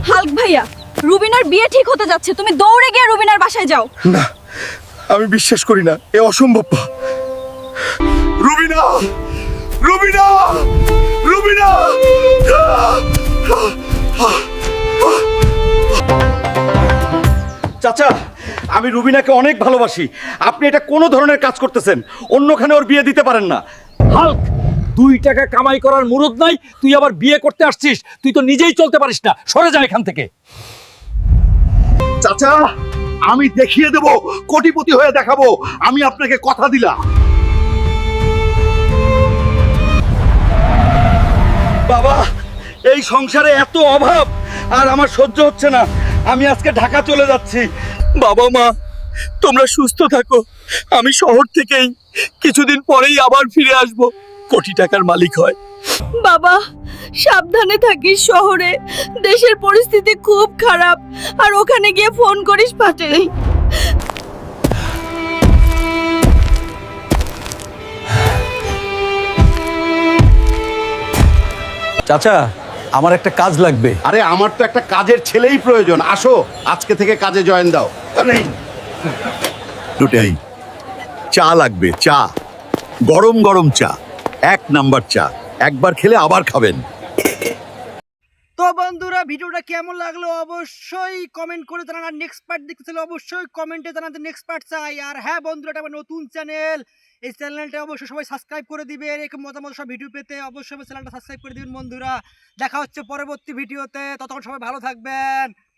Hulk ভাইয়া, রুবিনার বিয়ে ঠিক হতে যাচ্ছে, তুমি দৌড়ে গিয়ে রুবিনার বাসায় যাও। না, আমি বিশ্বাস করি না, এ অসম্ভব। রুবিনা, রুবিনা, রুবিনা! চাচা, আমি রুবিনাকে অনেক ভালোবাসি। আপনি এটা কোনো ধরনের কাজ করতেছেন, অন্যখানে ওর বিয়ে দিতে পারেন না। হাল্ক, 2 টাকা কামাই করার মুরদ নাই, তুই আবার বিয়ে করতে আসছিস? তুই তো নিজেই চলতে পারিস না, সরে যা এখান থেকে। চাচা, আমি দেখিয়ে দেব, কোটিপতি হয়ে দেখাবো। আমি আপনাকে কথা দিলাম। বাবা, এই সংসারে এত অভাব আর আমার সহ্য হচ্ছে না। আমি আজকে ঢাকা চলে যাচ্ছি। বাবা মা, তোমরা সুস্থ থাকো। আমি শহর থেকেই কিছুদিন পরেই আবার ফিরে আসব, কোটি টাকার মালিক হয়। বাবা, সাবধানে থাকিস, শহরে দেশের পরিস্থিতি খুব খারাপ, আর ওখানে গিয়ে ফোন করিস পাটে। চাচা, আমার একটা কাজ লাগবে। আরে আমার তো একটা কাজের ছেলেই প্রয়োজন। আসো, আজকে থেকে কাজে জয়েন দাও। দুটাই চা লাগবে, চা, গরম গরম চা, 1 নাম্বার চা। একবার খেলে আবার খাবেন। তো বন্ধুরা, ভিডিওটা কেমন লাগলো অবশ্যই কমেন্ট করে জানান। আর নেক্সট পার্ট দেখতে চাইলে অবশ্যই কমেন্টে জানাতে নেক্সট পার্ট চাই। আর হ্যাঁ বন্ধুরা, এটা আমার নতুন চ্যানেল, এই চ্যানেলটা অবশ্যই সবাই সাবস্ক্রাইব করে দিবে। এরকম মতামত সব ভিডিও পেতে অবশ্যই আমার চ্যানেলটা সাবস্ক্রাইব করে দিবেন বন্ধুরা। দেখা হচ্ছে পরবর্তী ভিডিওতে, ততক্ষণ সবাই ভালো থাকবেন।